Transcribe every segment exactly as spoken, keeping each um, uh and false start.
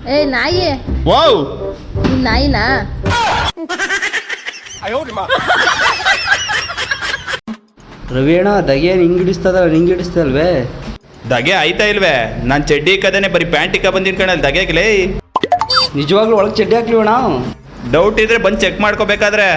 ಏ ನಾಯಿ ವಾವ್ ನೀನ್ ನಾಯಿನಾ? ರವಿ ಅಣ್ಣ ದಗೇನು ಹಿಂಗೆ ಹಿಡಿಸ್ತದ ಹಿಂಗೆ ಹಿಡಿಸ್ತಲ್ವೇ? ದಗೆ ಆಯ್ತಾ ಇಲ್ವೇ? ನಾನು ಚಡ್ಡಿ ಇಕ್ಕದೇನೆ ಬರೀ ಪ್ಯಾಂಟ್ ಇಕ್ಕ ಬಂದಿನ ಕಣಲ್ಲಿ ದಗೆಗ್ಲೇ. ನಿಜವಾಗ್ಲೂ ಒಳಗೆ ಚಡ್ಡಿ ಹಾಕ್ಲಿವ ನಾವು? ಡೌಟ್ ಇದ್ರೆ ಬಂದು ಚೆಕ್ ಮಾಡ್ಕೋಬೇಕಾದ್ರೆ.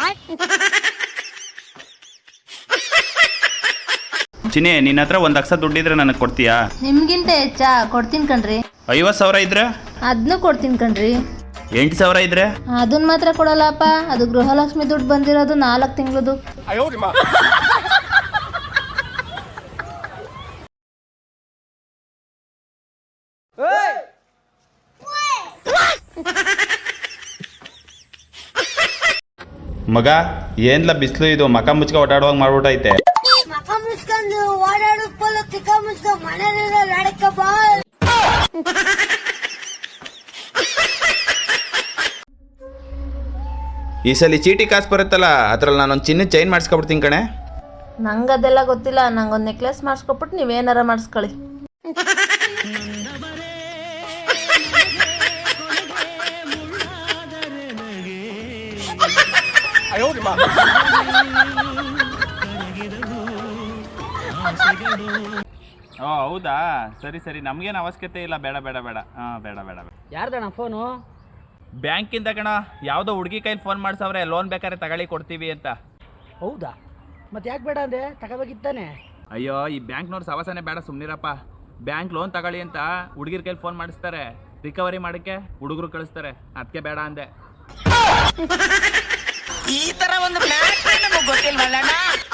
ಚಿನಿ ನಿನ್ನ ಹತ್ರ ಒಂದು ಲಕ್ಷ ದುಡ್ಡಿದ್ರೆ ನನಗೆ ಕೊಡ್ತೀಯಾ? ನಿಮ್ಗಿಂತ ಹೆಚ್ಚಾ ಕೊಡ್ತೀನಿ ಕಣ್ರಿ. ಐವತ್ತು ಸಾವಿರ ಇದ್ರೆ? ಅದನ್ನು ಕೊಡ್ತೀನಿ ಕಣ್ರಿ. ಎಂಟು ಸಾವಿರ ಇದ್ರೆ? ಅದನ್ನ ಮಾತ್ರ ಕೊಡಲ್ಲಪ್ಪ, ಅದು ಗೃಹಲಕ್ಷ್ಮಿ ದುಡ್ಡು ಬಂದಿರೋದು ನಾಲ್ಕು ತಿಂಗಳದು. ಮಗ ಏನ್ಲ ಬಿಸಿಲು ಇದು, ಮಕ ಮುಚ್ಕ ಓಡಾಡುವಾಗ ಮಾಡ್ಬಿಟ್ಟೈತೆ. ಮಕ ಮುಚ್ಕೊಂಡು ಓಡಾಡೋಕ್ಕಲ್ಲ, ತಿಕ್ಕ ಮುಚ್ಕೊಂಡು ಮನೆಯಲ್ಲ ನಡಕ ಬಾ. ಈ ಸಲ ಚೀಟಿ ಕಾಸು ಬರುತ್ತಲ್ಲ, ಅದ್ರಲ್ಲಿ ನಾನೊಂದು ಚಿನ್ನ ಚೈನ್ ಮಾಡಿಸ್ಕೊಬಿಡ್ತೀನಿ ಕಣೆ. ನಂಗೆ ಅದೆಲ್ಲ ಗೊತ್ತಿಲ್ಲ, ನಂಗೊಂದು ನೆಕ್ಲೆಸ್ ಮಾಡಿಸ್ಕೊಬಿಟ್ಟು ನೀವೇನಾರ ಮಾಡಿಸ್ಕೊಳ್ಳಿ. ಓ ಹೌದಾ, ಸರಿ ಸರಿ, ನಮಗೇನು ಅವಶ್ಯಕತೆ ಇಲ್ಲ, ಬೇಡ ಬೇಡ ಬೇಡ. ಹಾಂ ಬೇಡ ಬೇಡ ಬೇಡ. ಯಾರ್ದಣ್ಣ ಫೋನು? ಬ್ಯಾಂಕಿಂದ ಕಣ, ಯಾವುದೋ ಹುಡುಗಿ ಕೈಲಿ ಫೋನ್ ಮಾಡ್ಸವ್ರೆ, ಲೋನ್ ಬೇಕಾದ್ರೆ ತಗೊಳ್ಳಿ ಕೊಡ್ತೀವಿ ಅಂತ. ಹೌದಾ, ಮತ್ತೆ ಯಾಕೆ ಬೇಡ ಅಂದೆ? ತಗೋಬೇಕಿತ್ತಾನೆ. ಅಯ್ಯೋ ಈ ಬ್ಯಾಂಕ್ನವ್ರು ಸವಾಸನೆ ಬೇಡ, ಸುಮ್ಮನಿರಪ್ಪ. ಬ್ಯಾಂಕ್ ಲೋನ್ ತಗೊಳ್ಳಿ ಅಂತ ಹುಡುಗಿರ ಕೈಲಿ ಫೋನ್ ಮಾಡಿಸ್ತಾರೆ, ರಿಕವರಿ ಮಾಡೋಕ್ಕೆ ಹುಡುಗರು ಕಳಿಸ್ತಾರೆ, ಅದಕ್ಕೆ ಬೇಡ ಅಂದೆ. ಈ ತರ ಒಂದು ನಮಗೆ ಗೊತ್ತಿಲ್ವಲ್ಲಣ್ಣ.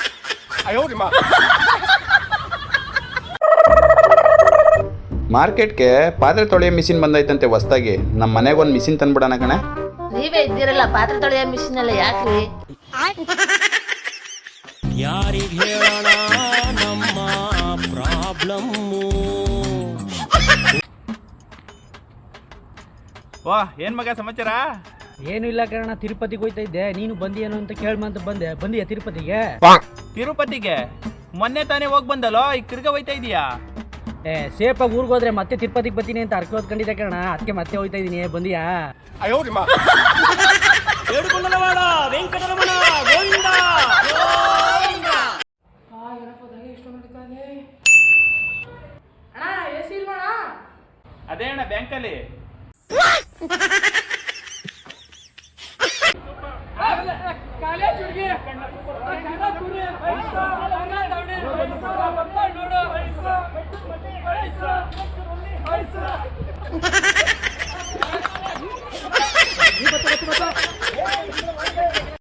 ಮಾರ್ಕೆಟ್ಗೆ ಪಾತ್ರೆ ತೊಳೆಯೋ ಮಿಷಿನ್ ಬಂದೈತಂತೆ ಹೊಸ್ದಾಗಿ, ನಮ್ಮ ಮನೆಗೆ ಒಂದು ಮಿಷಿನ್ ತಂದ್ಬಿಡೋಣ ಕಣೆ. ನೀವೇ ಇದ್ದೀರಲ್ಲ ಪಾತ್ರೆ ತೊಳೆಯೋ ಮಿಷಿನ್ ಎಲ್ಲ ಯಾಕ್ರಿ? ಯಾರಿಗೆ ಹೇಳೋಣ ನಮ್ಮ ಪ್ರಾಬ್ಲಮ್ಮು? ವಾ ಏನ್ ಮಗ ಸಮಾಚಾರ? ಏನು ಇಲ್ಲ ಕಣ, ತಿರುಪತಿಗೆ ಹೋಯ್ತಾ ಇದ್ದೆ, ನೀನು ಬಂದಿಯೇನು ಅಂತ ಕೇಳ್ಮಂತ ಬಂದೆ. ಬಂದಿಯಾ ತಿರುಪತಿಗೆ? ತಿರುಪತಿಗೆ ಮೊನ್ನೆ ತಾನೇ ಹೋಗಿ ಬಂದಲ್ಲೋ, ಈಗ ತಿರ್ಗಾ ಹೋಯ್ತಾ ಇದೀಯಾ? ಏ ಸೇಫಾಗಿ ಊರಿಗೆ ಹೋದ್ರೆ ಮತ್ತೆ ತಿರುಪತಿಗೆ ಬರ್ತೀನಿ ಅಂತ ಅರ್ಕೆ ಹೊತ್ಕೊಂಡಿದ್ದೆ ಕಣ, ಅದಕ್ಕೆ ಮತ್ತೆ ಹೋಯ್ತಾ ಇದೀನಿ. ಬಂದಿಯಾ? ಅದೇ ಅಣ್ಣ ಬ್ಯಾಂಕಲ್ಲಿ. Pizza!